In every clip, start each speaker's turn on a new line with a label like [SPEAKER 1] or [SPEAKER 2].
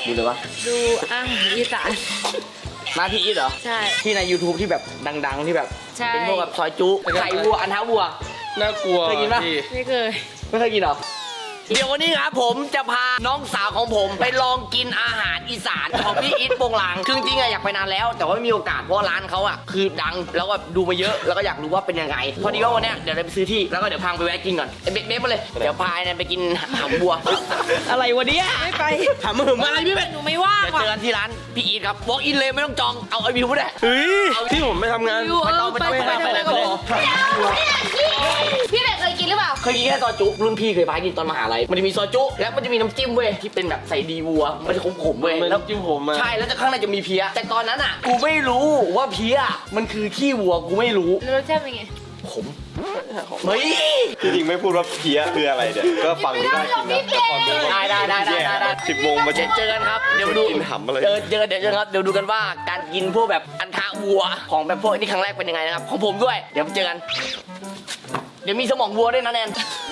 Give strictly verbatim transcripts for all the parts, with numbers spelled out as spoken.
[SPEAKER 1] ดูเลยวะ
[SPEAKER 2] ดูอาหารอีสาน
[SPEAKER 1] มาพี่อีทเหรอ
[SPEAKER 2] ใช่
[SPEAKER 1] ที่ใน YouTube ที่แบบดังๆที่แบบ
[SPEAKER 2] ใช่
[SPEAKER 1] เป็นพวกแบบซอยจุไข่วัวอันท้าวัว
[SPEAKER 3] น่ากลัว
[SPEAKER 1] เคยกินปะ
[SPEAKER 2] ไม่เคย
[SPEAKER 1] ไม่เคยกินเหรอเดี๋ยววันนี้ครับผมจะพาน้องสาวของผมไปลองกินอาหารอีสานของพี่อีทโปงลางคือจริงๆอะอยากไปนานแล้วแต่ว่าไม่มีโอกาสเพราะร้านเขาอะคือดังแล้วก็ดูมาเยอะแล้วก็อยากรู้ว่าเป็นยังไงพอดีว่าวันเนี้ยเดี๋ยวเราไปซื้อที่แล้วก็เดี๋ยวพาไปแวะกินก่อนเบ๊ะเบ๊ะมาเลยเดี๋ยวพาเนี่ยไปกินหางบัวอะไรวะเนี่ยไม่ไปถามมึงอะไรพี่เบ๊ะ
[SPEAKER 2] หนูไม่ว่าง
[SPEAKER 1] เดี๋ยวเจอกันที่ร้านพี่อีทครับ walk in เลยไม่ต้องจองเอาไอวิวไม่ได้
[SPEAKER 3] เฮ้ยที่ผมไม่ทำงาน
[SPEAKER 1] ไม่ต้องไม่ต้องไปไปเลย
[SPEAKER 2] พี่เด็กเคยกินหรือเปล่า
[SPEAKER 1] เคยกินแค่ซอยจุรุ่นพี่เคยพากินตอนมหาลัยมันจะมีซอยจุแล้วมันจะมีน้ำจิ้มเว้ยที่เป็นแบบใส่ดีวัวมันจะขมๆเว้ย
[SPEAKER 3] มัน
[SPEAKER 1] แล้ว
[SPEAKER 3] น้ำจิ้มผมอะ
[SPEAKER 1] ใช่แล้วจะข้างในจะมีเพี้ยแต่ตอนนั้นอ่ะกูไม่รู้ว่าเพี้ยมันคือขี้วัวกูไม่รู้
[SPEAKER 2] แล้วรสชาติเป็นไง
[SPEAKER 1] ขมเฮ้ย
[SPEAKER 4] จริงๆไม่พูดว่าเพี้ยคืออะไรเนี่ยก็ฟังดูได้กินนะแต่พอดู
[SPEAKER 1] ได้ได้ได้ได้ได้
[SPEAKER 4] สิบโมงมา
[SPEAKER 1] เจอเจอกันครับเดี๋ยวดู
[SPEAKER 4] กินหำอะไร
[SPEAKER 1] เจอเจอเดี๋ยวเจอครับเดี๋ยวดูกันว่าการกินพวกแบบอันทะวัวของแบบพวกนี้ครั้งแรกเป็นยังไงนะครับของผมด้วยเดี๋ยวเจอกัน เดี๋ยวมีสมองวัวด้วยนะแนน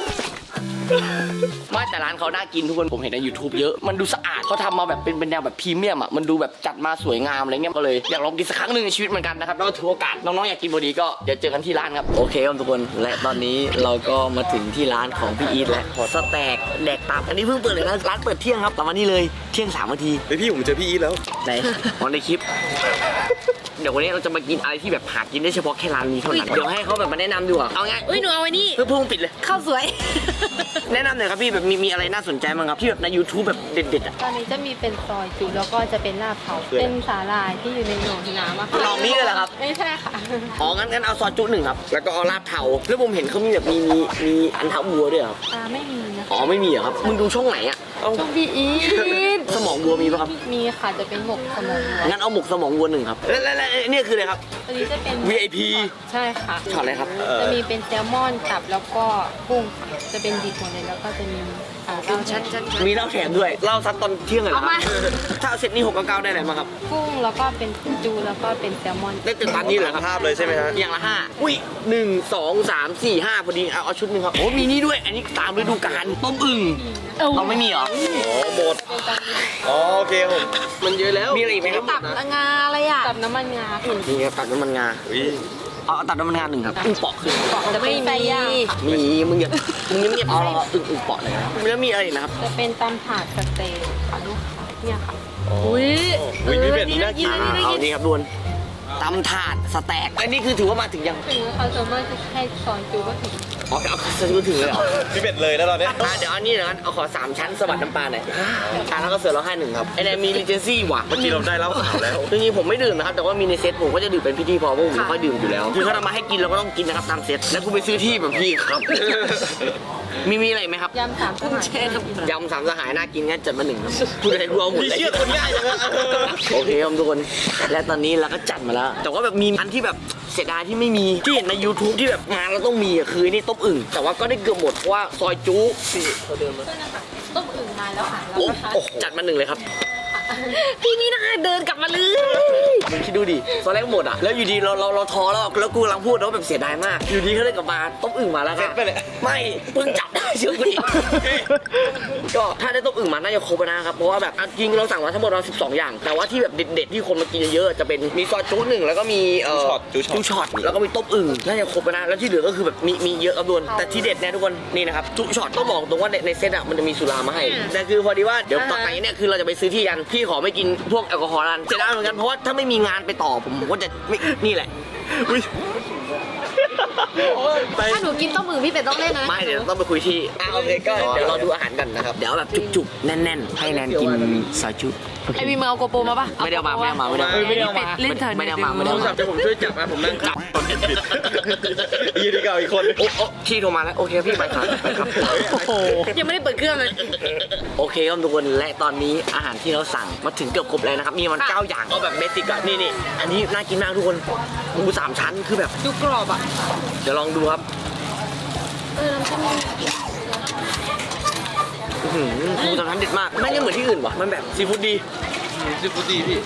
[SPEAKER 1] ไม่แต่ร้านเขาน่ากินทุกคนผมเห็นใน YouTube เยอะมันดูสะอาดเขาทำมาแบบเป็นเป็นแนวแบบพรีเมียมอ่ะมันดูแบบจัดมาสวยงามอะไรเงี้ยก็เลยอยากลองกินสักครั้งหนึ่งในชีวิตเหมือนกันนะครับแล้วก็ถือโอกาสน้องๆอยากกินพอดีก็เดี๋ยวเจอกันที่ร้านครับโอเคครับทุกคนและตอนนี้เราก็มาถึงที่ร้านของพี่อีทแล้วขอสแต็กแดกตับอันนี้เพิ่งเปิดเลยนะร้านเปิดเที่ยงครับแต่วันนี้เลยเที่ยงสามนาที
[SPEAKER 4] เฮ้ยพี่ผมเจอพี่อีทแล้ว
[SPEAKER 1] ไหนอ๋อในคลิป เดี๋ยววันนี้เราจะมากินอะไรที่แบบหากินได้เฉพาะแค่ร้านนี้เท่านั้นเดี๋ยวให้เขาแบบมาแนะนำดีกว่าเอาไง
[SPEAKER 2] เอ้ยหนูเอาไว้นี่
[SPEAKER 1] เพื่อพุ่งปิดเลย
[SPEAKER 2] ข้าวสวย
[SPEAKER 1] แนะนำหน่อยครับพี่แบบมีมีอะไรน่าสนใจบ้างครับที่แบบใน YouTube แบบเด็ดๆอ่ะ
[SPEAKER 5] ตอนนี้จะมีเป็นซอยจุแล้วก็จะเป็นลาบเผาเป็นสาหร่ายที่อยู่ในหนองน้ำอะค่ะ
[SPEAKER 1] ลองนี้เลยเหรอครับ
[SPEAKER 5] ไม่ใช่ค่ะ
[SPEAKER 1] อ๋องั้นงั้นเอาซอสจุหนึ่งครับแล้วก็เอาลาบเทาแล้วผมเห็นเขามีแบบมีมีมีอันเท้าวัวด้วยเหรอครับ
[SPEAKER 5] อ่าไม่มีนะ
[SPEAKER 1] อ๋อไม่มีเหรอครับมึงดูช่องไหนอ่ะ
[SPEAKER 5] ช่วงบีอีท
[SPEAKER 1] สมองวัวมีป่ะครับ
[SPEAKER 5] มีค่ะจะเป็นหมกสมองวัว
[SPEAKER 1] งั้นเอาหมกสมองวัวหนึ่งครับแล้วแล้วแล้วอันนี่คืออะไรครับ
[SPEAKER 5] อันนี้จะเป็น
[SPEAKER 1] วี ไอ พี
[SPEAKER 5] ใช่ค่ะ
[SPEAKER 1] ช็อตอะไรครับ
[SPEAKER 5] จะมีเป็นแซลมอนตับแล้วก็กุ้งค่ะจะเป็นดิบหมดเลยแล้วก็จะมีอ่าเราชั้นชั้น
[SPEAKER 1] มีเหล้าแถมด้วยเหล้าซัดตอนเที่ยงเลยเหรอ
[SPEAKER 2] เอามา
[SPEAKER 1] ถ้าเอาเสร็จนี่หกกับเก้าได้ไหนมาครับ
[SPEAKER 5] กุ้งแล้วก็เป็นจูแล้วก็เป็นแซลมอน
[SPEAKER 1] ได้ตึกตามนี้เหรอครับ
[SPEAKER 4] ภาพเลยใช่ไหมฮะ
[SPEAKER 1] อย่างละห้าอุ้ยหนึ่งสองสามสี่ห้าพอดีเอาเอาชุดหนึ่งครับโอ้มีนี่ด้วยอันนี้ตามฤดูกาลต้มอึ่งเราไม่มีเหรอ
[SPEAKER 4] อ๋อหมดอ๋อโอเคผม
[SPEAKER 3] มันเยอะแล้ว
[SPEAKER 1] มีอะไรอีกไหมครับ
[SPEAKER 2] ตับงาอะไรอ่ะ
[SPEAKER 5] กับน้ำมันงาค่ะ
[SPEAKER 1] นี่ครับตัดน้ำมันงา
[SPEAKER 4] อุ้ย
[SPEAKER 1] เอาเอาตัดน้ำมันงาหนึ่งครับอึ่งเปาะคือ
[SPEAKER 5] จะเป็นไส้ย่างค่ะ
[SPEAKER 1] มีมึงอย่ามึงเงียบๆเอาเราอึ่งอึ่งเปาะเลยนะแล้วมีอะไรอีกนะครับ
[SPEAKER 5] จะเป็นตำถาดสเต็กค่ะลูกค้าเนี่ยค่ะ
[SPEAKER 2] อุ้ย
[SPEAKER 4] อุ้ยพี่เป็ดนี่น่ากิน
[SPEAKER 1] อ่าเอานี่ครับดวนตำถาดสแต็กอันนี้คือถือว่ามาถึงยัง
[SPEAKER 5] ถึงเขาส่วนมากจะให้ซอยจูก็ถึง
[SPEAKER 1] อ๋อเอาซื้อถึงเลยเหรอ
[SPEAKER 4] พี่เป็ดเลยนะตอนเนี้ย
[SPEAKER 1] อ่ะเดี๋ยวอันนี้เดี๋ยวกันเอาขอสามชั้นสวัสดน้ำปลาหน่อยอ่ะแล้วก็เสือร้องไห้หนึ่งครับไอ้เนี่ยมีรีเจนซี่ว่ะ
[SPEAKER 4] เมื่อกี้เราได้เหล้าขาวแล้ว
[SPEAKER 1] จริงๆผมไม่ดื่มนะครับแต่ว่ามีในเซตผมก็จะดื่มเป็นพิธีพอเพราะผมไม่ค่อยดื่มอยู่แล้วคือเขาทำมาให้กินเราก็ต้องกินนะครับตามเซตแล้วกูไปซื้อที่แบบพี่ครับ มีมีอะไรไหมครับ
[SPEAKER 5] ยำสามสหาย
[SPEAKER 1] ยำสามสหายน่ากินงั้นจัดมาหนึ่งครับพูดอะไรกูเอาหมด
[SPEAKER 4] พี่
[SPEAKER 1] เลย
[SPEAKER 4] เชื่อคนง่ายจังเลย
[SPEAKER 1] โอเคครับทุกคนและตอนนี้เราก็จัดมาแล้ว แต่ว่าแบบมีอันที่แบบเสียดายที่ไม่มีที่เห็นใน YouTube ที่แบบงานเราต้องมีอ่ะคือนี่ต้มอึ่งแต่ว่าก็ได้เกือบหมดเพราะว่าซอยจุ๊สี่เขาเดินมา
[SPEAKER 5] ต้มอึ่งมาแล้วค่ะแล้ว
[SPEAKER 1] โอ้
[SPEAKER 5] นะคะ
[SPEAKER 1] โอ้จัดมาหนึ่งเลยครับ
[SPEAKER 2] พี่นี่นะเดินกลับมาเลย
[SPEAKER 1] มึงคิดดูดิตอนแรกหมดอ่ะ แล้วอยู่ดีเราเราเราท้อแล้ว แล้วกูกำลังพูดแล้วาแบบเสียดายมาก อยู่ดีเขาเลยกลับมาต้มอึ่งมาแล้ว
[SPEAKER 4] เซ็
[SPEAKER 1] ค่ะ
[SPEAKER 4] ตไปเลย
[SPEAKER 1] ไม่เพิ่งจับได้เชื่อกูดิ ก็ถ้าได้ต้มอึ่งมาน่าจะครบนะครับ เพราะว่าแบบจริงเราสั่งมาทั้งหมดเราสิบสองอย่าง แต่ว่าที่แบบเด็ดๆที่คนมากินเยอะๆจะเป็นมีซอยจุ๊หนึ่งแล้วก็มีเอ่อ
[SPEAKER 4] จูช็อตจูช็อต
[SPEAKER 1] จุ๊ช็อตแล้วก็มีต้มอึ่งน่าจะครบนะ แล้วที่เหลือก็คือแบบมีมีเยอะครับทุกคนแต่ที่เด็ดเนี่ยทุกคนนี่นะครับจุ๊ช็อตต้องบอกตรงว่าในในเซตอ่ะมันจะมีสุรามาให้ แต่คือพอดีว่าเดี๋ยวต่อไปเนี่ยคือเราจะไปซื้อที่กันพี่ขอไม่กินพวกแอลกอฮอล์นั้นเสียดายเหมือนกันเพราะว่าถ้าไม่มีงานไปต่อผมผมก็จะไม่นี่แหละ
[SPEAKER 4] อุ้ย
[SPEAKER 2] ถ้าหนูกินต้มมือพี่เป็ดต้องเล่นนะ
[SPEAKER 1] ไม่เดี๋ยวต้องไปคุยที่อ่ะโอเคก็เดี๋ยวเราดูอาหารกันนะครับเดี๋ยวแบบจุกๆแน่นๆให้แนนกินซอยจุ
[SPEAKER 2] ไอวีมึงเอาโกโปรมาปะ
[SPEAKER 1] ไม่ได้เอามาไม่ได้เอามาไม่ได้เอามา
[SPEAKER 2] ไม่ได้เอามาเล่นเถอะ
[SPEAKER 1] ไม่ได้เอามาไม่ได้
[SPEAKER 3] โท
[SPEAKER 1] เอา
[SPEAKER 3] รศั
[SPEAKER 1] มา
[SPEAKER 3] พท์จะผมช่วยจับนะผมนั่งจับ
[SPEAKER 4] คนผิดผิดยี่ดีเก่าอีกคน
[SPEAKER 1] โอ้โอ้ที่โทรมาแล้วโอเคพี่ไปครับไปครับ
[SPEAKER 2] โอ้โหยังไม่ได้เปิดเครื่องเลย
[SPEAKER 1] โอเคครับทุกคนและตอนนี้อาหารที่เราสั่งมาถึงเกือบครบแล้วนะครับมีมันเก้าอย่างเอาแบบเบสิกอะนี่นี่อันนี้น่ากินมากทุกคนหมูสามชั้นคือแบบ
[SPEAKER 2] ดูกรอบอ่ะ
[SPEAKER 1] เดี๋ยวลองดูครับ
[SPEAKER 2] เออน้ำจิ้ม
[SPEAKER 1] อื้อหือหมูสามชั้นเด็ดมากไม่เหมือนที่อื่นว่ะมันแบบซีฟู้ดดี
[SPEAKER 3] ซิฟูดีพี่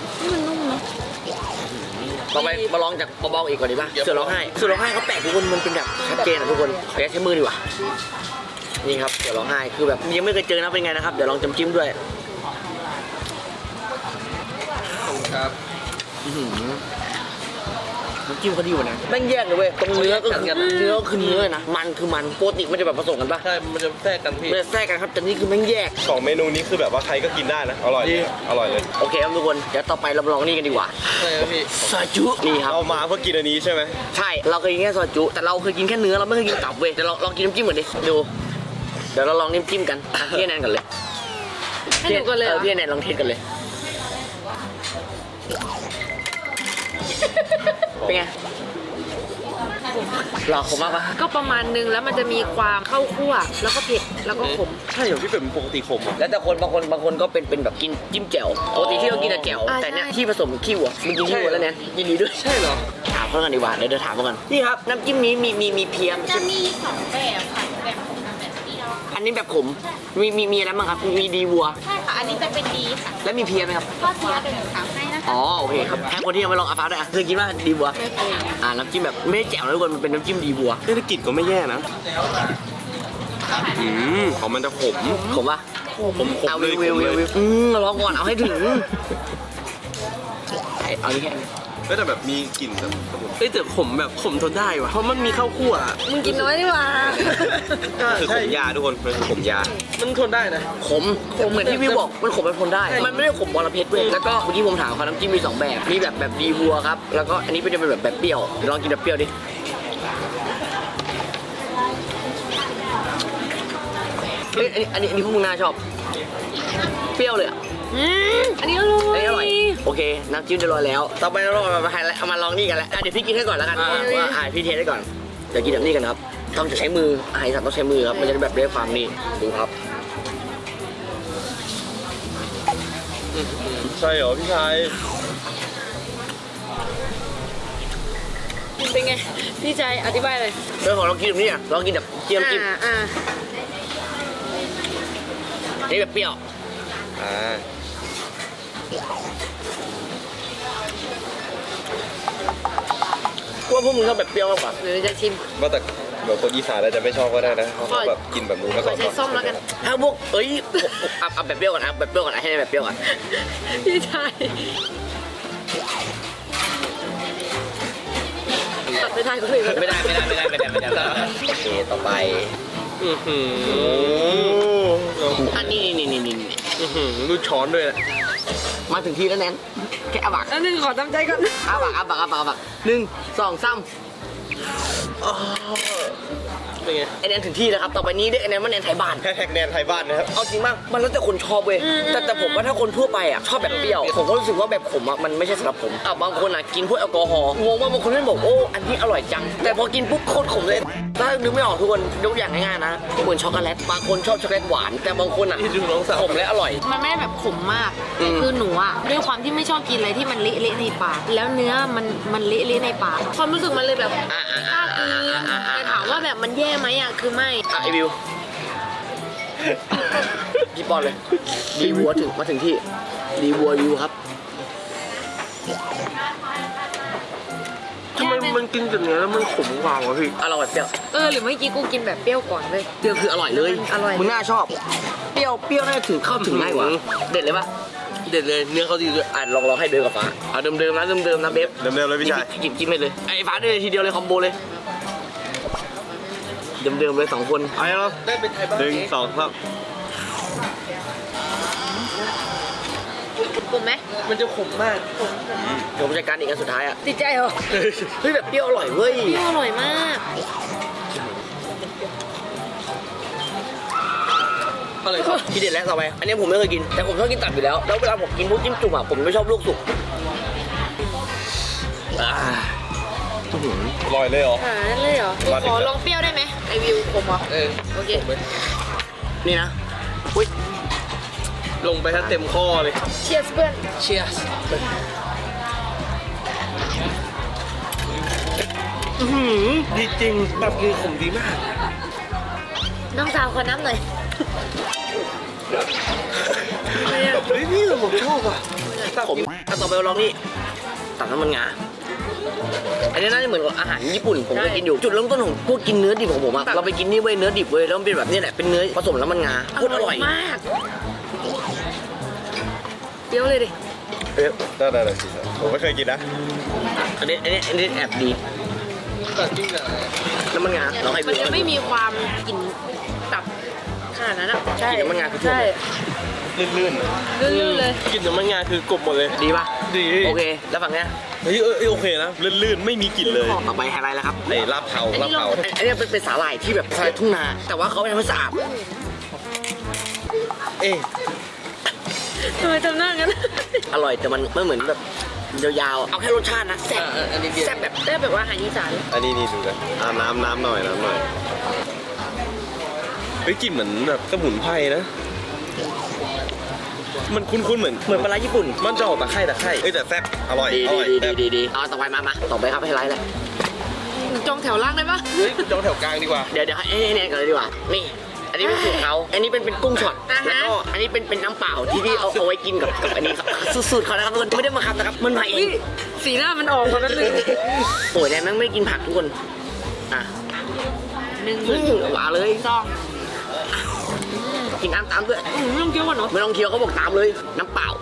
[SPEAKER 1] ต่อไปมาลองจากเบาๆอีกก่อนดีป่ะเสือร้องไห้เสือร้องไห้เขาแปลกทุกคนมันเป็นแบบชัดเจนอะทุกคนขออนุญาตใช้มือดีกว่านี่ครับเสือร้องไห้คือแบบยังไม่เคยเจอนะเป็นไงนะครับเดี๋ยวลองจำจิ้มด้วย
[SPEAKER 3] ครับ
[SPEAKER 1] น้ำจิ้มเขาดีกว่านะแม่งแยกเลยเว้ยตรงเนื้อก็คือเนื้อคือเนื้อนะมันคือมันปกติมันจะแบบผสมกันปะ
[SPEAKER 3] ใช่ มันจะแทรกกันพี่
[SPEAKER 1] มันจะแทรกกันครับแต่นี่คือแม่งแยก
[SPEAKER 4] สองเมนูนี้คือแบบว่าใครก็กินได้นะ อร่อย
[SPEAKER 3] ดี
[SPEAKER 4] อร่อยเลย
[SPEAKER 1] โอเคครับทุกคนเดี๋ยวต่อไปเรามาลองนี่กันดีกว่า
[SPEAKER 3] ใช่ครับพี่
[SPEAKER 1] ซอยจุนี่ครับ
[SPEAKER 4] เอามาเพื่อกินอันนี้ใช่ไหม
[SPEAKER 1] ใช่เราเคยกินแค่ซอยจุแต่เราเคยกินแค่เนื้อเราไม่เคยกินตับเว้ยเดี๋ยวเราลองกินน้ำจิ้มก่อนดิดูเดี๋ยวเราลองน้ำจิ้มกันอ่ะพี่แนนกันเลย
[SPEAKER 2] ให้หนูก่อนเลยเห
[SPEAKER 1] เอ
[SPEAKER 2] ร
[SPEAKER 1] อ
[SPEAKER 2] อ
[SPEAKER 1] พี่แนนลองเทสกันเลยเป็นไงหลอกผมมากปะ
[SPEAKER 2] ก็ประมาณนึงแล้วมันจะมีความเข้าคั่วแล้วก็เผ็ดแล้วก็ขม
[SPEAKER 4] ใช่เหรอพี่เป็ดมันปกติขมเหรอ
[SPEAKER 1] แล้วแต่คนบางคนบางคนก็เป็นเป็นแบบกินจิ้มแจ่วปกติที่เรากินแต่แจ่ว
[SPEAKER 2] อ่า
[SPEAKER 1] แต่เนี้ย
[SPEAKER 2] ใช่
[SPEAKER 1] ที่ผสมขี้วัวมึงกินขี้วัวแล้วแนนยินดีด้วย
[SPEAKER 3] ใช่เหรอ
[SPEAKER 1] ถามเขากันดีกว่าเดี๋ยวเดี๋ยวถามเขากันนี่ครับน้ำจิ้มนี้มีมีมีเพียม
[SPEAKER 5] จะมีสองแบบค่ะแบบขมกับแบบเปรี้ยว
[SPEAKER 1] อันนี้แบบขมมีมีมีอะไรบ้างครับมีดีวัว
[SPEAKER 5] ใช่ค่ะ อันนี้จะเป็นดีค่ะ
[SPEAKER 1] แล้วมีเพียไหมครับ
[SPEAKER 5] ก็เทียบเป็นหมูขาวให้นะคะ
[SPEAKER 1] อ๋อโอเคครับให้คนที่ยังไม่ลองอาฟ้าด้วยอ่ะเคยกินว่าดีวัว
[SPEAKER 5] ไม่เคย
[SPEAKER 1] อ่าน้ำจิ้มแบบไม่ได้แจ่วนะทุกคนมันเป็นน้ำจิ้มดีวัว
[SPEAKER 4] เศรษฐกิจก็ไม่แย่นะ อืมของมันจะขม
[SPEAKER 1] ขมปะ
[SPEAKER 4] ผมขม
[SPEAKER 1] เอา
[SPEAKER 4] เล
[SPEAKER 1] วิ
[SPEAKER 4] ยว
[SPEAKER 1] วิว
[SPEAKER 4] ขม
[SPEAKER 1] วิว
[SPEAKER 4] เล
[SPEAKER 1] วิ
[SPEAKER 4] ยว
[SPEAKER 1] อืมลองก่อนเอาให้ถึงเอานี่แค่นี้
[SPEAKER 4] ก็แต่แบบมีกลิ่นแบบสมุน
[SPEAKER 3] เอ้ยแต่ขมแบบขมทนได้ว่ะ เพราะมันมีข้าวคั่วอะ
[SPEAKER 2] มึงกินน้อยดีกว่า
[SPEAKER 4] คือขมยาทุกคนมันคือขมยา
[SPEAKER 3] มันทนได้นะ
[SPEAKER 1] ขมขมเหมือนที่พี่บอกมันขมเป็นคนได้ มันไม่ได้ขมบอระเพ็ดเว้ยแล้วก็เมื่อกี้ผมถามเขาน้ำจิ้มมีสองแบบมีแบบแบบดีวัวครับแล้วก็อันนี้เป็นแบบแบบเปรี้ยวเดี๋ยวลองกินแบบเปรี้ยวดิเฮ้ยอันนี้อันนี้อันนี้พวกมึงน่าชอบเปรี้ยวเลยอ่ะ
[SPEAKER 2] อืมอันนี้อร่อย
[SPEAKER 1] อันนี้อร่อยโอเคน้ำจิ้มจะรอแล้วต่อไปเราเอามาไฮไลท์เอามาลองนี่กันแล้วอ่ะเดี๋ยวพี่กินให้ก่อนแล้วกันว่าอ่าพี่เทสให้ก่อนเดี๋ยวกินแบบนี้กันครับต้องจะใช้มืออาหารสัตว์ต้องใช้มือครับมันจะได้แบบได้ความนี่ดูครับ
[SPEAKER 4] ใช่เหรอพี่ชาย
[SPEAKER 2] เป็นไง พี่ใจอธิบายเลย
[SPEAKER 1] เรื่องของเรากินแบบนี้อ่ะลองกินแบบเจียมจิ้ม
[SPEAKER 2] อ่าอ่า
[SPEAKER 1] นี่แบบเปรี้ยว
[SPEAKER 4] อ่า
[SPEAKER 1] กลัวพวกมึงชอบแบบเปรี้ยวมากกว่า
[SPEAKER 2] หรือจะชิม
[SPEAKER 4] ว่าแต่แบบคนอีสานอาจจะไม่ชอบก็ได้นะเพราะเขาแบบกินแบบนู้นมา
[SPEAKER 2] ข
[SPEAKER 4] ก่
[SPEAKER 2] อ
[SPEAKER 4] อน
[SPEAKER 2] ใช้ส้มแล้วกัน
[SPEAKER 1] ถ้าพวกเอ้ยเอาเอาแบบเปรี้ยวก่อนเอาแบบเปรี้ยวก่อนให้ได้แบบเปรี้ยวก่อน
[SPEAKER 2] พี่ใจตัดไปทายก็เลย
[SPEAKER 1] ไม่ได้ไม่ได้ไม่ได้ไม่ได้ไม่ได้ไม่ได้โอเคต่อไป
[SPEAKER 3] อือหือ
[SPEAKER 1] อันนี้นี่นี่นี่นี่
[SPEAKER 3] อือหือดูช้อนด้วยนะ
[SPEAKER 1] มาถึงที่แล้วแนนแค่อาบัก
[SPEAKER 2] อันนึงขอตั้งใจก่อน
[SPEAKER 1] อาบักอาบักอาบักอาบักหนึ่งสองสาม
[SPEAKER 3] เป็นไง
[SPEAKER 1] ไอแนนถึงที่แล้วครับต่อไปนี้เรียกไอแนนว่าแนนไทยบ้าน
[SPEAKER 4] แฮชแท็กแนนไทยบ้านนะครับ
[SPEAKER 1] เอาจริงมากมันแล้วแต่คนชอบเว้ยแต่แต่ผมว่าถ้าคนทั่วไปอ่ะชอบแบบเปรี้ยวผมก็รู้สึกว่าแบบผมอ่ะมันไม่ใช่สำหรับผมอ่ะบางคนอ่ะกินพวกแอลกอฮอล์งงว่าบางคนไม่บอกโอ้อันนี้อร่อยจังแต่พอกินปุ๊บโคตรขมเลยถ้านึกไม่ออกทุกคนยกอย่างง่ายๆนะเหมือนช็อกโกแลตบางคนชอบช็อกโกแลตหวานแต่บางคนอ่ะ
[SPEAKER 3] นี่ดูน้องสาว
[SPEAKER 1] ขมและอร่อย
[SPEAKER 2] มันไม่ได้แบบขมมาก
[SPEAKER 1] อืม
[SPEAKER 2] คือหนูอะด้วยความที่ไม่ชอบกินอะไรที่มันเละๆในปาก แล้วเนื้อมันมันเละๆในปาก ความรู้สึกมันเลยแบบไม่กล้ากินแต่ถามว่าแบบมันแย่ไหมอะคือไม่
[SPEAKER 1] อ่ะไอวิวพี่ปอนเลยดีวัวถึงมาถึงที่ดีวัววิวครับ
[SPEAKER 3] ทำไมมันกินกับเนื้อแล้วมันขมกว่าวะพี่
[SPEAKER 1] อร่อยเปรี้ยว
[SPEAKER 2] เออหรือเมื่อกี้กูกินแบบเปรี้ยวก่อนเลย
[SPEAKER 1] เปรี้ยวคืออร่อยเลย
[SPEAKER 2] อร่อย
[SPEAKER 1] มึงน่าชอบ เปรี้ยวเปรี้ยวน่าจะถึงเข้าถึงง่ายกว่า
[SPEAKER 3] อืม
[SPEAKER 1] เด็ดเลยปะ
[SPEAKER 3] เด็ดเลยเนื้อเขาดีด้วย
[SPEAKER 1] อ่ะลองลองให้เบลกับฟ้าเอาเดิมๆนะเดิมๆนะเบฟ
[SPEAKER 4] เดิมๆเลยพี่ชาย
[SPEAKER 1] กินกินไปเลยไอ้ฟ้าได้เลยทีเดียวเลยคอมโบเลยเดิมๆเลยสองคน
[SPEAKER 4] เอาแล้ว
[SPEAKER 3] ได้เป็นไทยบ้าน
[SPEAKER 4] หนึ่งสองสาม
[SPEAKER 2] ขมไหม
[SPEAKER 3] มันจะขมมาก
[SPEAKER 1] เดี๋ยวผมจัดการอีกอันสุดท้ายอ่ะ
[SPEAKER 2] ติดใจเหรอ
[SPEAKER 1] เฮ้ยแบบเปรี้ยวอร่อยเว้ย
[SPEAKER 2] เปรี้ยวอร่อยมาก
[SPEAKER 3] อะไรครับ
[SPEAKER 1] ทีเด็ดแล้วต่อไปอันนี้ผมไม่เคยกินแต่ผมชอบกินตับอยู่แล้วแล้วเวลาผมกินพวกจิ้มจุ่มอ่ะผมไม่ชอบลวกสุกอ่า
[SPEAKER 4] อร่อยเลยเหรอ
[SPEAKER 2] อ่านั่นเลยเหรอ
[SPEAKER 4] มาถึ
[SPEAKER 2] ข
[SPEAKER 4] ง
[SPEAKER 2] อ
[SPEAKER 4] แล้ว
[SPEAKER 2] ลองเปรี้ยวได้ไหมไอวิวขมเหรอ
[SPEAKER 3] เออ
[SPEAKER 2] โอเค
[SPEAKER 3] ขมไหม
[SPEAKER 1] นี่นะอุ้ย
[SPEAKER 3] ลงไปถ้าเต็มข้อเลย
[SPEAKER 2] เชียร์เพื่อน
[SPEAKER 3] เชียร์ อือหือดีจริงแบบกินขมดีมาก
[SPEAKER 2] น้องสาวขอน้ำหน่อย
[SPEAKER 3] เฮ้ยพี่ผมชอบอ่ะ
[SPEAKER 1] ผมถ้าต่อไปลองนี่ตับน้ำมันงาอันนี้น่าจะเหมือนกับอาหารญี่ปุ่นผมเคยกินอยู่จุดเริ่มต้นของพวกกินเนื้อดิบของผมอะเราไปกินนี่เว้ยเนื้อดิบเว้ยแล้วมันเป็นแบบนี้แหละเป็นเนื้อผสมน้ำมันงาโคตรอร่อย
[SPEAKER 2] มากเปรี้ยวเลยดิ
[SPEAKER 1] เอ๊ะ
[SPEAKER 4] ได้ได้ได้ผมไม่เคยกินนะ
[SPEAKER 1] อันนี้อันนี้อันนี้แอบดีน้ำมันงาเราให้
[SPEAKER 2] มันจะไม่มีความกลิ่นตับขนาดนั้นอ่ะใช่
[SPEAKER 1] กินน้ำมันงาคือทั่ว
[SPEAKER 2] ใช่
[SPEAKER 4] ลื่น
[SPEAKER 2] ลื่นๆเลย
[SPEAKER 3] กินน้ำมันงาคือกลบหมดเลย
[SPEAKER 1] ดีป่ะ
[SPEAKER 3] ดี
[SPEAKER 1] โอเค แล้วฝั่งเนี้ย
[SPEAKER 3] เฮ้ยเออเออโอเคนะลื่นๆไม่มีกลิ่นเลย
[SPEAKER 1] ต่อไปไฮไลท์แล้วครับ
[SPEAKER 4] ไอ้ลาบเผาลาบเผา
[SPEAKER 1] อันอันนี้เป็นเป็นสาหร่ายที่แบบสาหร่ายทุ่งนา แต่ว่าเขาไม่ทำให้สะอาด
[SPEAKER 3] เอ๊ะ
[SPEAKER 2] ทำไมทำหน้างั้น
[SPEAKER 1] อร่อยแต่มันไม่เหมือนแบบยาวๆ เอาแค่รสชาตินะแซ่บ
[SPEAKER 3] อ่ะอันนี้เบียร์
[SPEAKER 1] แซ่บแบบ
[SPEAKER 2] ได้แบบว่าอาหารอีสาน
[SPEAKER 4] อันนี้นี่ดูกันอ่าน้ำน้ำหน่อยน้ำหน่อย
[SPEAKER 3] เฮ้ยกลิ่นเหมือนแบบสมุนไพรนะ มันคุ้นๆเหมือน
[SPEAKER 1] เหมือนปลาร้าญี่ปุ่น
[SPEAKER 3] มันจะออกตะไคร่ตะไคร่
[SPEAKER 4] เอ้ยแต่แซ่บอร่อย
[SPEAKER 1] ดี
[SPEAKER 4] อ
[SPEAKER 1] ดี
[SPEAKER 4] ร่อย
[SPEAKER 1] ดี
[SPEAKER 4] แซ่
[SPEAKER 1] ดี
[SPEAKER 4] บ
[SPEAKER 1] ดีดีเอาต่อไปมามาต่อไปครับไฮไลท์เลย
[SPEAKER 2] จองแถวล่างได้ปะ
[SPEAKER 3] เฮ้ยจองแถวกลางดีกว่า
[SPEAKER 1] เดี๋ยวเดี๋ยวให้ให้แนนก่อนเลยดีกว่า นี่ อันนี้เป็นสูตรเขาอันนี้เป็นเป็นกุ้งช็อต
[SPEAKER 2] อ่าฮะ
[SPEAKER 1] แล้วก็อันนี้เป็นเป็นน้ำเปล่าที่ที่เอาเอาไว้กินกับกับอันนี้ครับสูตรเขานะครับทุกคนไม่ได้มาคับนะครับ มันมาเอ
[SPEAKER 2] อุ๊ย
[SPEAKER 1] ง
[SPEAKER 2] สีหน้ามันออกมาแป๊บนึง
[SPEAKER 1] โอ้ยแนนแม่งไม่ได้กินผักทุกคน อ่ะ
[SPEAKER 2] หนึ่ง
[SPEAKER 1] อื้อหวานเลย
[SPEAKER 2] สอง
[SPEAKER 1] กินน้ำตามด้วย
[SPEAKER 2] อืมไม่ต้องเคี้ยวก่อนเนาะ
[SPEAKER 1] ไม่ต้องเคี้ยวเขาบอกตามเลย น้ำเปล่า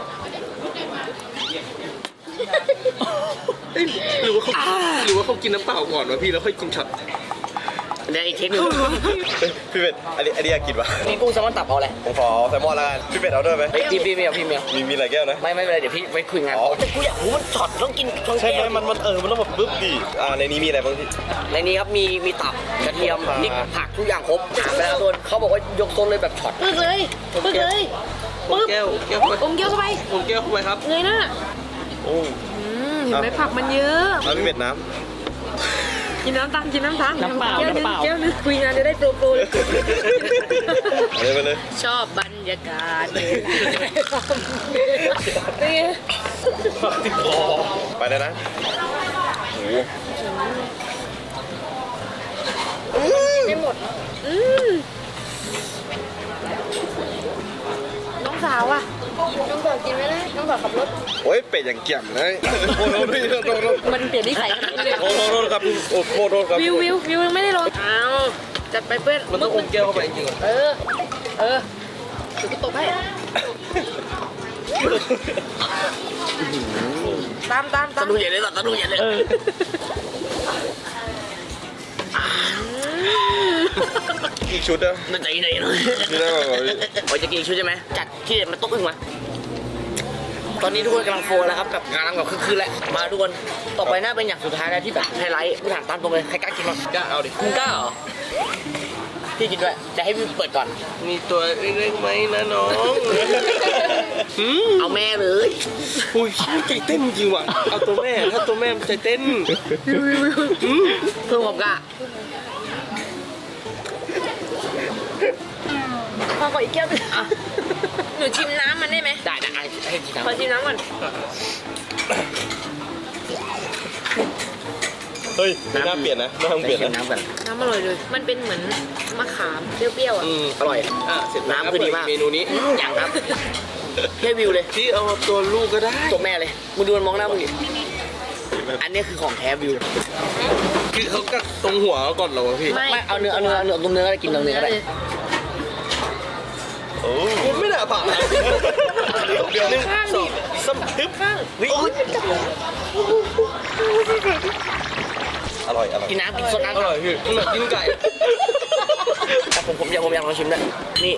[SPEAKER 3] เอ้ยหรือว่าเขาหรือว่าเขากินน้ำเปล่าก่อนวะพี่แล้วค่อยกินช็อต
[SPEAKER 1] เดี๋ยวอีกเทคหนึง
[SPEAKER 4] เฮ้ยพี่เป็ดอันนี้อันนี้อยากกินปะ
[SPEAKER 1] นี่กุ้งแซลมอนตับเอาอะไร
[SPEAKER 4] ผมขอแซลมอนแล้วกันพี่เป็ดเอาด้วยไหม
[SPEAKER 1] เฮ้ยพี่พี่ไม่เอาพี่ไม่เอา
[SPEAKER 4] มีมีหลายแก้วนะ
[SPEAKER 1] ไม่ไม่เป็นไรเดี๋ยวพี่ไปคุยงาน
[SPEAKER 4] อ๋อ
[SPEAKER 1] แต่กูอยากรู้มันช็อตต้องกินต้อง
[SPEAKER 4] ใช่ไหม
[SPEAKER 1] แก้ว
[SPEAKER 4] มันมันเออมันต้องแบบปึ๊บดีอ่าในนี้มีอะไรบ้างพี่
[SPEAKER 1] ในนี้ครับมีมีตับกระเทียมพริกผักทุกอย่างครบถามไปแล้วโดนเขาบอกว่ายกโซนเลยแบบช็อต
[SPEAKER 2] ปึ๊กเลยปึ๊กเลยปึ๊บ
[SPEAKER 3] แก้วแก้วเข้าไป
[SPEAKER 2] อมแก้วเข้าไป
[SPEAKER 3] ผมแก้วเข้าไปครับ
[SPEAKER 2] เงยหน้า
[SPEAKER 4] โอ้
[SPEAKER 2] อืมเห็นไหมผักมันเยอะ
[SPEAKER 4] เอาพี่เป็ดน้
[SPEAKER 2] กินน้ำตาลกินน้ำตาล
[SPEAKER 1] น้ำเปล่า
[SPEAKER 2] แก้วหนึง
[SPEAKER 1] น้ำเปล่า
[SPEAKER 2] แก้วหนึงคุยงานจะได้โปรโปรเลย
[SPEAKER 4] ำเอาเลยไปเลย
[SPEAKER 2] ชอบบรรยากาศเลยนี่ไง
[SPEAKER 4] ไปเลยนะโอ้โห
[SPEAKER 2] ไม่หมดอืมน้องสาวอ่ะน้องสาวกินไหมล่ะน้องสาวขับรถ
[SPEAKER 4] โอ้ยเป็ดอย่างเกี่ยมเลยโทษโทษพี่โทษโทษโทษ
[SPEAKER 2] มันเปลี่ยนนิสัยขนาดนี้เลย
[SPEAKER 4] โทษโทษครับโอ้โทษโทษครับ
[SPEAKER 2] วิววิววิวยังไม่ได้ลงอ้าวจัดไปเพื่อน
[SPEAKER 3] มันต้องอมแก้วเข้าไปจริงๆเหรอ
[SPEAKER 2] เออ เออถือกูตบให้ตามตามตา
[SPEAKER 1] ส
[SPEAKER 2] ม
[SPEAKER 1] นุกใหญ่เลยสนุกใหญ่เลย
[SPEAKER 4] อีกชุดอะ
[SPEAKER 1] น่าใจไหนเลย
[SPEAKER 4] นี่ได้ป่ะพี่
[SPEAKER 1] โอ้ยจะกินอีกชุดใช่ไหมจัดที่เด็ดมาโต๊ะอึ้งมา ตอนนี้ทุกคนกำลังโฟแล้วครับแบบกำลังแบบคึกๆแล้วมาทุกคนต่อไปน่าเป็นอย่างสุดท้ายแล้วที่แบบไฮไลท์กูถามตามตรงเลยใครกล้ากินบ้าง
[SPEAKER 3] กล้าเอาดิ
[SPEAKER 1] มึงกล้าเหรอพี่กินด้วยจะให้พี่เปิดก่อน
[SPEAKER 3] มีตัวเล็กๆไหมนะน้องอืม
[SPEAKER 1] เอาแม่เลย
[SPEAKER 3] อุ้ยใจเต้นจริงว่ะเอาตัวแม่ถ้าตัวแม่มันใจเต้น
[SPEAKER 1] เพิ่มความกล้า
[SPEAKER 2] พอขออีกแก้วหนึงหนูชิมน้ำมันได้ไหม
[SPEAKER 1] ได้นะให้กิน
[SPEAKER 2] ขอ
[SPEAKER 1] น้ำ
[SPEAKER 2] ชิมน้ำก่อน
[SPEAKER 4] เฮ้ยไม่น่าเปลี่ยนนะไม่ต้องเปลี่ยน
[SPEAKER 1] ชิม
[SPEAKER 4] นะ
[SPEAKER 1] น้ำกัน
[SPEAKER 2] น้ำอร่อยเลย มันเป็นเหมือนมะขามเปรี้ยวๆอ่ะ
[SPEAKER 3] อืม
[SPEAKER 1] อร่อย
[SPEAKER 3] อ่ะเสร็จแล้ว
[SPEAKER 1] น้ำคือดีมาก
[SPEAKER 3] เมนูนี้
[SPEAKER 1] อย่างครับแค่วิวเลย
[SPEAKER 3] พี่เอาตัวลูกก็ได้
[SPEAKER 1] ตัวแม่เลยมึงดูมันมองหน้ามึงดิอันนี้คือของแท้วิว
[SPEAKER 3] คือเขากัดตรงหัวก่อนเหรอวะพี่
[SPEAKER 2] ไม่
[SPEAKER 1] ไม่เอาเนื้อเอาเนื้อเอาเนื้อตรงเนื้อก็ได้กินตรงเนื้อก็ได้
[SPEAKER 4] โอ้
[SPEAKER 3] ผมไม่น่าผ่านนะเดี๋ยวหนึ่งสองสามฮึบ
[SPEAKER 1] วิ
[SPEAKER 4] อร่อยอร่อย
[SPEAKER 1] กินน้ำกินสด
[SPEAKER 3] อ
[SPEAKER 1] น้ำ
[SPEAKER 3] ร่อยพี่มันแบบกินไก่
[SPEAKER 1] แต่ผมผมอยากผมอยากลองชิมด้วยนี่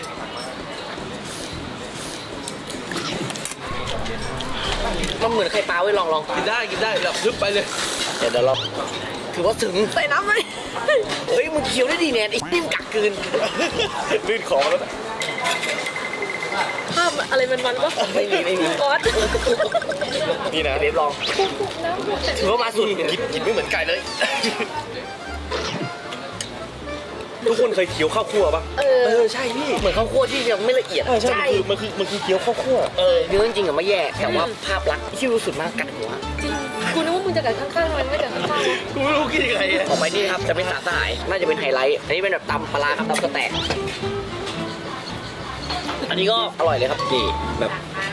[SPEAKER 1] มันเหมือนไข่ปลาไว้ยลองลอง
[SPEAKER 3] กินได้กินได้แบบฮึบไปเลย
[SPEAKER 1] เดี๋ยวเดี๋ยวลองถือว่าถึงใส่น้ำไหมเฮ้ยมึงเคี้ยวได้ดีแนนไอ้นิ่มกักกืน
[SPEAKER 4] ลื่นคอแล้วนะ
[SPEAKER 2] ภาพอะไรมันมันๆวะ
[SPEAKER 1] ไม่มีไม่มี
[SPEAKER 2] ก๊อต
[SPEAKER 4] นี่นะ
[SPEAKER 1] เดฟลองถือว่ามาสุด
[SPEAKER 4] กินกินไม่เหมือนไก่เลย ทุกคนเคยเคี้ยวข้าวคั่วปะ
[SPEAKER 2] เออ
[SPEAKER 4] เออใช่พี่
[SPEAKER 1] เหมือนข้าวคั่วที่ยังไม่ละเอียด
[SPEAKER 4] ใช่ใช่มันคือมันคือมันคือเคี้ยวข้าวคั่ว
[SPEAKER 1] เออเนื้อจริงๆอะไม่แย่แต่ว่าภาพลักษณ์ที่รู้สุดมากกัดหัว
[SPEAKER 2] จริงกูนึกว่ามึงจะกัดข้างๆมันไม่กัดข้างๆวะ
[SPEAKER 3] กูไม่รู้กินยังไงอะ
[SPEAKER 1] ออกไปนี่ครับจะเป็นสาสหายน่าจะเป็นไฮไลท์อันนี้เป็นแบบตำปลาร้าครับตำสแต็กอันนี้ก็อร่อยเลยครับนี่แบบ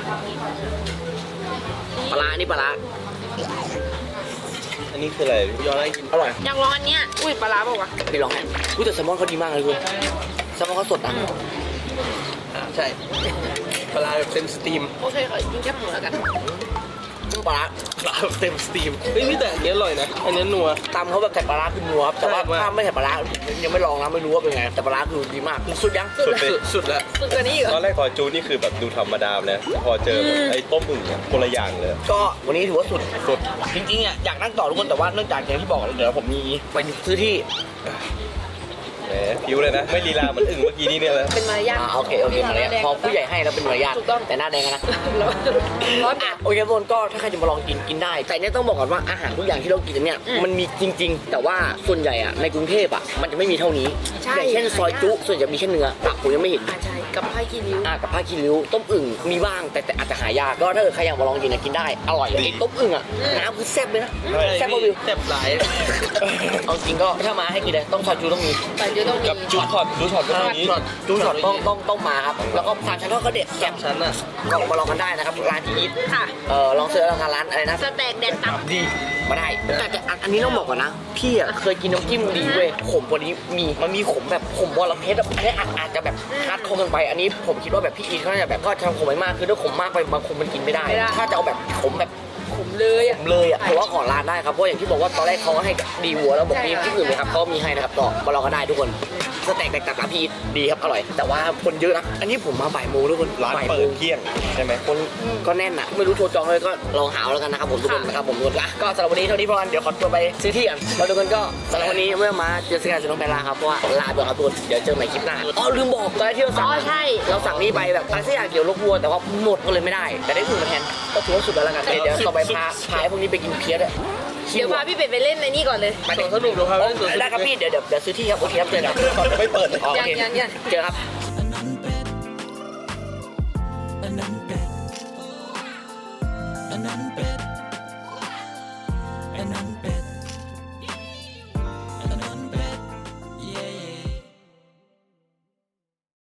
[SPEAKER 1] ปลาร้านี่ปลาร้า
[SPEAKER 4] อันนี้คืออะไรพี่ย้อนให้กิน
[SPEAKER 1] อร่อย
[SPEAKER 2] อยากลองอันเนี้ยอุ้ยปลาร้าเปล่าวะ
[SPEAKER 1] ไปลองให้อุ้ยแต่แซลมอนเขาดีมากเลยคุณแซลมอนเขาสดอ่ะ
[SPEAKER 3] ใช่ปลาร้าแบบเต็มสตรีม
[SPEAKER 2] โอเคขอกินแค่หมูแล้วกัน
[SPEAKER 1] ปลาร้า
[SPEAKER 3] ปลาแบบเต็มสตรีมเฮ้ยพี่แต่อันนี้อร่อยนะอันนี้นัว
[SPEAKER 1] ตำเขาแบบใส่ปลาร้าคือนัวครับแต่ว่า
[SPEAKER 3] ใช่มาก
[SPEAKER 1] ถ้าไม่ใส่ปลาร้ายังไม่ลองนะไม่รู้ว่าเป็นไงแต่ปลาร้าคือดีมากคือสุดยัง
[SPEAKER 4] สุดเลย
[SPEAKER 3] สุดสุดแล้ว
[SPEAKER 2] สุดกว่านี้อีกเหร
[SPEAKER 4] ตอ
[SPEAKER 2] อน
[SPEAKER 4] แรกพอจูนี่คือแบบดูธรรมดาเลยแต่พอเจอแบบไอ้ต้มอึ่งเนี่ยคนละอย่างเลย
[SPEAKER 1] ก็วันนี้ถือว่าสุดสุดจริงๆอ่ะอยากนั่งต่อทุกคนแต่ว่าเนื่องจากอย่างที่บอกเดี๋ยวผมมีไปซื้อที่
[SPEAKER 4] แหมผิวเลยนะ ไม่ลีลาเหมันอึ่งเมื่อกี้นี่เนี่ยเลย
[SPEAKER 2] เป็นมารยาท
[SPEAKER 1] อ่าโอเคโอเคมาเลยพอผู้ใหญ่ให้แล้วเป็นมารยาท
[SPEAKER 2] ถูกต้อง
[SPEAKER 1] แต่หน้าแดงอะนะ
[SPEAKER 2] ร้อนร้อน
[SPEAKER 1] อ่ะโอเคทุกคนก็ถ้าใครจะมาลองกินกินได้ แต่เนี่ยต้องบอกก่อนว่าอาหารทุกอย่างที่เรากินเนี่ย
[SPEAKER 2] อืม
[SPEAKER 1] มันมีจริง ๆ แต่ว่าส่วนใหญ่อะในกรุงเทพอะมันจะไม่มีเท่านี้
[SPEAKER 2] ใช่
[SPEAKER 1] อย่างเช่นซอยจุส่วนใหญ่มีแค่เนื้อตับผมยังไม่เห็น
[SPEAKER 2] อ่าใช่กับผ้าคีริ้ว
[SPEAKER 1] อ่ะกับผ้าคีริ้วต้มอึ่งมีบ้างแต่แต่อาจจะหายากก็ถ้าเกิดใครอยากมาลองกินนะกินได้อร่อยไอ้ต้มอึ่งอะน้ำคือแซ่บเลยนะแซ่บกว่าวิว
[SPEAKER 3] แซ่บหลาย
[SPEAKER 1] เอาจริงก็ถ้ามาให้กินเลยต้องซอยจุต้องมี
[SPEAKER 2] แต่เดี๋ยวต้องมี
[SPEAKER 4] กับจูช็อตจูช็อตก็อย่างนี้
[SPEAKER 1] ช็อตจูช็อตต้องต้องต้องมาครับแล้วก็สามชั้นทอดก็เด็ดแซ่บ
[SPEAKER 3] ชั้นอ่ะ
[SPEAKER 1] ลองมาลองกันได้นะครับร้านที่อีท
[SPEAKER 2] ค่ะ
[SPEAKER 1] เออลองเสิร์ชร้านร้านอะไรนะ
[SPEAKER 2] สแต็กแดดตับ
[SPEAKER 1] ดีมาได้แต่แต่อันอันนี้ต้องบอกก่อนนะพี่อ่ะเคยกินน้ำจิ้มดีเว้ยขมกว่านี้มีมันมีขมแบบขมวอลเพชรอะอันนี้อาจอาจจะแบบฮาร์ดคอร์เกินไปอันนี้ผมคิดว่าแบบพี่อีทเขาน่าจะแบบก็ทำขมไปมากคือถ้าขมมากไปบางคนมันกินไม่ได้ ถ้าจะเอาแบบขมแบบ
[SPEAKER 2] ขมเลยอ่ะ
[SPEAKER 1] ขมเลยอ่ะเพราะว่าขอร้านได้ครับเพราะอย่างที่บอกว่าตอนแรกเขาก็ให้ดีวัวแล้วบอกมีที่อื่นไหมครับเขามีให้นะครับก็มาลองกันได้ทุกคนสแต็กแตกต่างกับพี่อีทดีครับอร่อย แต่ว่าคนเยอะนะอันนี้ผมมาบ่ายโมงทุกคน
[SPEAKER 4] ร้าน
[SPEAKER 1] บ่าย
[SPEAKER 4] เปิ
[SPEAKER 1] โม
[SPEAKER 4] ด
[SPEAKER 1] ง
[SPEAKER 4] เที่ยงใช่ไหม
[SPEAKER 1] คนก็แน่นอ่ะไม่รู้โทรจองเลยก็ลองหาเอาแล้วกันนะครับผมทุกคนนะครับผมทุกคนอ่ะก็สำหรับวันนี้เท่านี้พอกันเดี๋ยวขอตัวไปซื้อที่กันแล้วทุกคนก็สำหรับวันนี้เมื่อมาเจอสกายจะต้องไปลาครับเพราะว่าลาไปก่อนครับทุกคนเดี๋ยวเจอใหม่คลิปหน้าอ๋อลืมบอกตอนแรกที่เราสั่ง
[SPEAKER 2] อ๋อใช่
[SPEAKER 1] เราสั่งนี่ไปแบบอะไรสักอย่างเกี่ยวลกวัวแต่ว่าหมดก็เลยไม่ได้ แต่ได้อื่นมาแทนก็ถือว่าสุดแล้วละกันเดี๋ยวต่อไปพาพาไอ้พวกนี้ไปกินเพี้ยด้วย
[SPEAKER 2] เดี๋ยวพาพี่เป็ดไปเล่นในนี่ก่อนเลย
[SPEAKER 1] ไปถึง
[SPEAKER 3] สนุกดูครับ
[SPEAKER 1] อ๋อได้ครับพี่เดี๋ยวเดี๋ยวเดี๋ยวซื้อที่ครับโอเคครับเจอกัน
[SPEAKER 4] ไม่เปิดเลย
[SPEAKER 1] อ๋อโอ
[SPEAKER 2] ยัง
[SPEAKER 1] เค
[SPEAKER 2] ยังยัง
[SPEAKER 1] เจอครับ
[SPEAKER 6] อันนั้นเป็ดอันนั้นเป็ดอันนั้นเป็ด